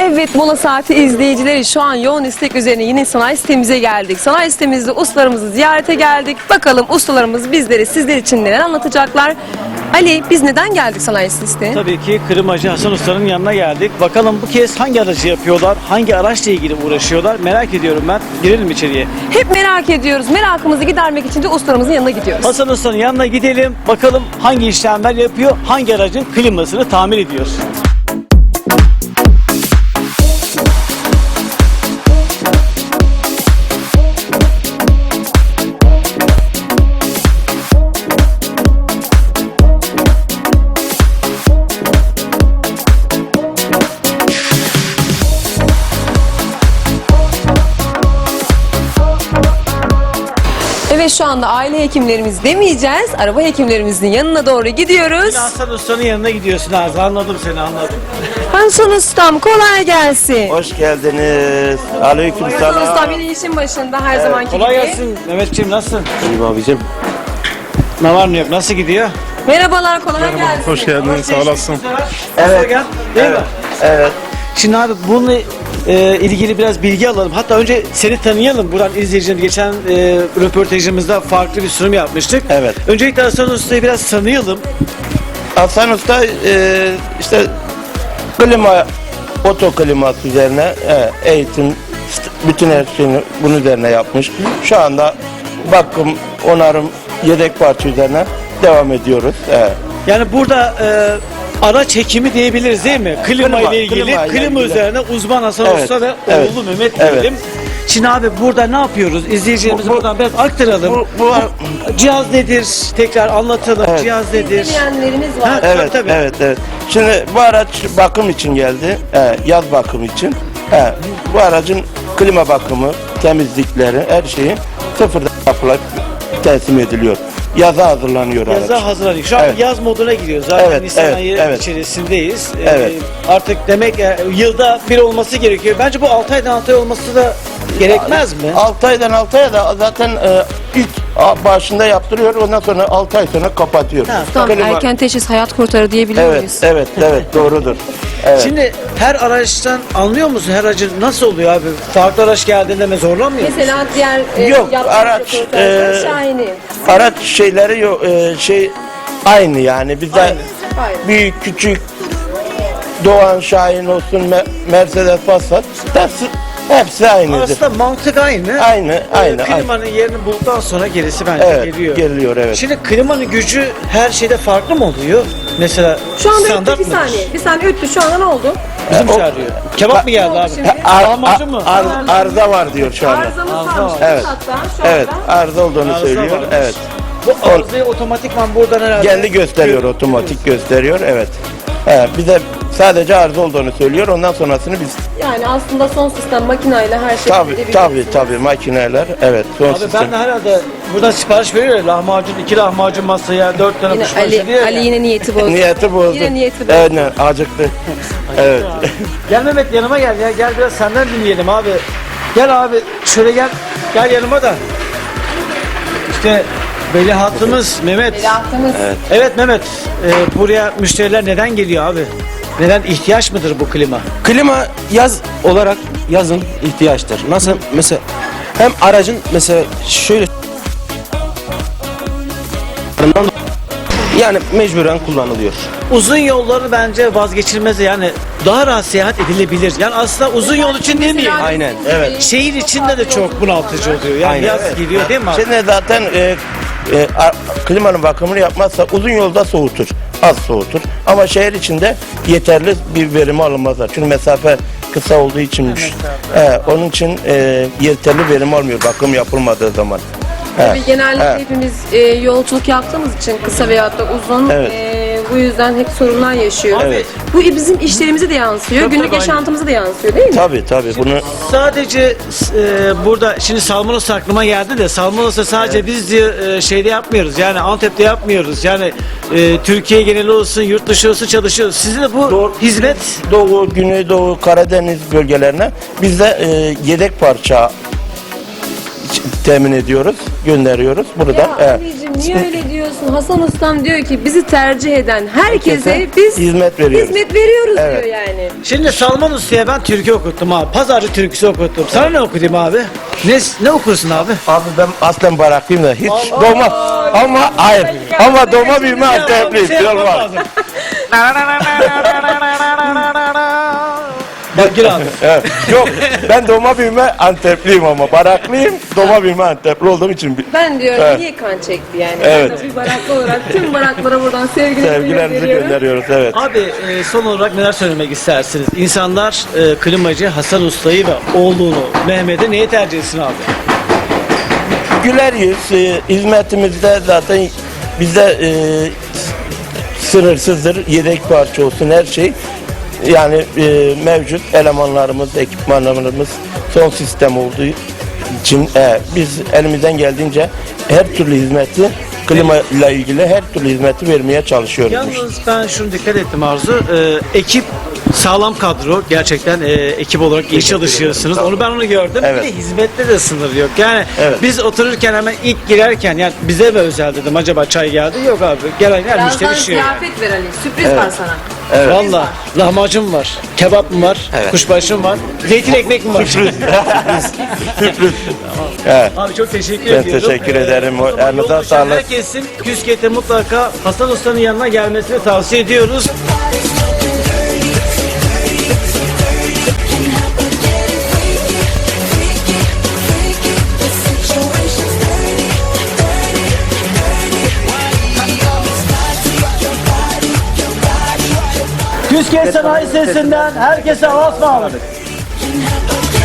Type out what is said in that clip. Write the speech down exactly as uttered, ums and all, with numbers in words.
Evet, mola saati izleyicileri, şu an yoğun istek üzerine yine sanayi sitemize geldik. Sanayi sitemizde ustalarımızı ziyarete geldik. Bakalım ustalarımız bizlere, sizler için neler anlatacaklar. Ali, biz neden geldik sanayi sitesine? Tabii ki klimacı Hasan Usta'nın yanına geldik. Bakalım bu kez hangi aracı yapıyorlar, hangi araçla ilgili uğraşıyorlar merak ediyorum ben. Girelim içeriye. Hep merak ediyoruz. Merakımızı gidermek için de ustalarımızın yanına gidiyoruz. Hasan Usta'nın yanına gidelim. Bakalım hangi işlemler yapıyor, hangi aracın klimasını tamir ediyor. Evet, şu anda aile hekimlerimiz demeyeceğiz. Araba hekimlerimizin yanına doğru gidiyoruz. Hasan Usta'nın yanına gidiyorsun Azra. Anladım seni, anladım. Hasan Ustam, kolay gelsin. Hoş geldiniz. Aleyküm Hasan Ustam selam. yine işin başında her zamanki Kolay gibi. gelsin Mehmetciğim, nasılsın? İyiyim abicim. Ne var ne yok, nasıl gidiyor? Merhabalar, kolay gelsin. Hoş geldin, sağ olasın. Evet. Gel, değil Evet. mi? Evet. Şimdi abi bununla e, ilgili biraz bilgi alalım. Hatta önce seni tanıyalım. Buradan izleyicilerimiz geçen e, röportajımızda farklı bir sunum yapmıştık. Evet. Öncelikle Hasan Usta'yı biraz tanıyalım. Hasan Usta e, işte klima, oto kliması üzerine e, eğitim, st- bütün her şeyini bunun üzerine yapmış. Şu anda bakım, onarım, yedek parça üzerine devam ediyoruz. Evet. Yani burada e, araç hekimi diyebiliriz değil mi? Klima, Klima, ile ilgili, klima klima, ile ilgili. üzerine uzman Hasan Evet, Usta ve evet, oğlu Mehmet evet. diyelim. Şimdi abi burada ne yapıyoruz? İzleyicilerimize Bu- bu- buradan biraz aktaralım. Bu, bu, Cihaz nedir? Tekrar anlatalım. Evet. Cihaz nedir? Dinleyenlerimiz var. Ha, evet, tabii. evet, evet. Şimdi bu araç bakım için geldi. E, yaz bakım için. E, bu aracın klima bakımı, temizlikleri, her şeyi sıfırdan yapılıp teslim ediliyor. Yaza hazırlanıyor araç. Yaza hazırlanıyor. Şu an Evet. yaz moduna giriyor. Zaten Evet, Nisan evet, ayı evet. içerisindeyiz. Ee, Evet. artık demek e, yılda bir olması gerekiyor. Bence bu altı aydan altı ay olması da gerekmez mi? altı aydan altı aya da zaten e, ilk a- başında yaptırıyor. Ondan sonra altı ay sonra kapatıyor. Ha, Tam Klima- erken teşhis hayat kurtarır diyebiliyor Evet, muyuz? evet, evet, doğrudur. Evet. Şimdi her araçtan anlıyor musun? Her aracın nasıl oluyor abi? Farklı araç geldiğinde mi zorlanmıyor musun? Mesela diğer e, Yok, yaptığımız araç, röportajlar e, Şahin'i. Araç şeyleri yok, e, şey aynı yani. Bizde Aynı. Aynı. büyük, küçük, Doğan, Şahin olsun, Me- Mercedes, Passat, hepsi, hepsi aynıdır. Aslında mantık aynı. Aynı, Ee, aynı, aynı. Klimanın yerini bulduktan sonra gerisi bence Evet, geliyor. geliyor, evet. Şimdi klimanın gücü her şeyde farklı mı oluyor? Mesela Şu anda standart öttü bir mıdır? saniye. Bir saniye öttü. Şu anda ne oldu? Bizim E, o- çağırıyor. Kebap mı geldi abi? Şimdi- Ar- Lahmacun mu? ar- ar- arıza var diyor şu anda. Arızamız Arıza varmış. var. Evet. Hatta şu anda. Evet, arıza olduğunu Arıza söylüyor. varmış. Evet. Bu arızayı otomatikman buradan herhalde... Kendi gösteriyor, otomatik gösteriyor. Evet. He, bize sadece arıza olduğunu söylüyor. Ondan sonrasını biz Yani aslında son sistem makineyle her şey tabii tabii tabii makineler, evet, son Abi sistem. ben de herhalde buradan sipariş veriyor ya, lahmacun, iki lahmacun masaya, dört tane Yine kuşbaşı Ali, diye. Ali yine niyeti bozdu. Niyeti bozdu. Yine niyeti bozdu. Evet, ne, acıktı. Evet. Gel Mehmet yanıma gel ya, gel biraz senden dinleyelim abi. Gel abi şöyle gel, gel yanıma da. İşte veliahtımız Mehmet. Veliahtımız. Evet Mehmet, e, buraya müşteriler neden geliyor abi? Neden, ihtiyaç mıdır bu klima? Klima yaz olarak yazın ihtiyaçtır. Nasıl mesela hem aracın mesela şöyle yani mecburen kullanılıyor. Uzun yolları bence vazgeçilmez, yani daha rahat seyahat edilebilir. Yani aslında uzun yol için değil mi? Aynen, evet. Şehir içinde de çok bunaltıcı oluyor. Yani Aynen, yaz evet. geliyor değil mi abi? Şimdi zaten e, e, a- klimanın bakımını yapmazsa uzun yolda soğutur. Az soğutur. Ama şehir içinde yeterli bir verimi alınmazlar. Çünkü mesafe kısa olduğu içinmiş. He, onun için e, yeterli verim almıyor bakım yapılmadığı zaman. He, Tabii genellikle he. hepimiz e, yolculuk yaptığımız için kısa veyahut da uzun Evet. e, bu yüzden hep sorunlar yaşıyoruz. Evet. Bu bizim işlerimize de yansıyor, Tabii, günlük tabii, aynen. yaşantımıza da yansıyor değil mi? Tabii tabii bunu Sadece e, burada şimdi salmonos aklıma geldi de salmonos'u sadece biz diye, e, şeyde yapmıyoruz. Yani Antep'te yapmıyoruz. Yani e, Türkiye geneli olsun, yurt dışı olsun çalışıyoruz. Sizin de bu hizmet Doğu, Güneydoğu, Karadeniz bölgelerine biz de e, yedek parça temin ediyoruz, gönderiyoruz. Burada Ya e, Ali'cim niye öyle diyorsun? diyorsun. Hasan Ustam diyor ki bizi tercih eden herkese Herkese biz hizmet veriyoruz. hizmet veriyoruz Evet. diyor yani. Şimdi Salman Usta'ya ben türkü okuttum abi. Pazarcı türküsü okuttum. Sana ne okutayım abi? Ne, ne okursun abi? Abi ben aslen baraklıyım da hiç Allah! doğma ama hayır ama doğma büyüme Ya, bir Antepliyim. şey yapmam Olmaz. lazım. Bak gir abi. Evet. Yok ben doğma büyüme Antepliyim ama baraklıyım doğma büyüme Antepli olduğum için bir- Ben diyorum Evet. niye kan çekti yani. Evet. Ben de bir baraklı olarak tüm baraklara buradan sevgilerimizi sevgilerimizi gönderiyorum. gönderiyoruz evet. Abi e, son olarak neler söylemek istersiniz? İnsanlar e, klimacı Hasan Usta'yı ve oğlunu Mehmet'i neye tercih etsin abi? Güler yüz e, hizmetimizde zaten bizde e, sınırsızdır. Yedek parça olsun her şey. Yani e, mevcut elemanlarımız, ekipmanlarımız son sistem olduğu için e, biz elimizden geldiğince her türlü hizmeti klima ile ilgili her türlü hizmeti vermeye çalışıyoruz. Yalnız ben şunu dikkat ettim Arzu. E, ekip sağlam kadro. Gerçekten e, ekip olarak iyi çalışıyorsunuz. Onu ben onu gördüm. Evet. Bir de hizmette de sınır yok. Yani Evet. biz otururken hemen ilk girerken yani bize mi özel dedim acaba çay geldi? Yok abi. Gelen her müşteri Birazdan şey. ziyafet ver Ali. Sürpriz var sana. Evet. Valla lahmacun var, kebap mı var, kuşbaşı mı var, zeytin ekmek mi var? Sürpriz. Evet. Abi çok teşekkür Ben ediyorum. teşekkür ederim. o zaman Elinize yol düşen sağlık. Herkesin Küsket'e mutlaka Hasan Usta'nın yanına gelmesini tavsiye ediyoruz. Küsket Sanayi Sesi'nden herkese Allah'a ısmarladık.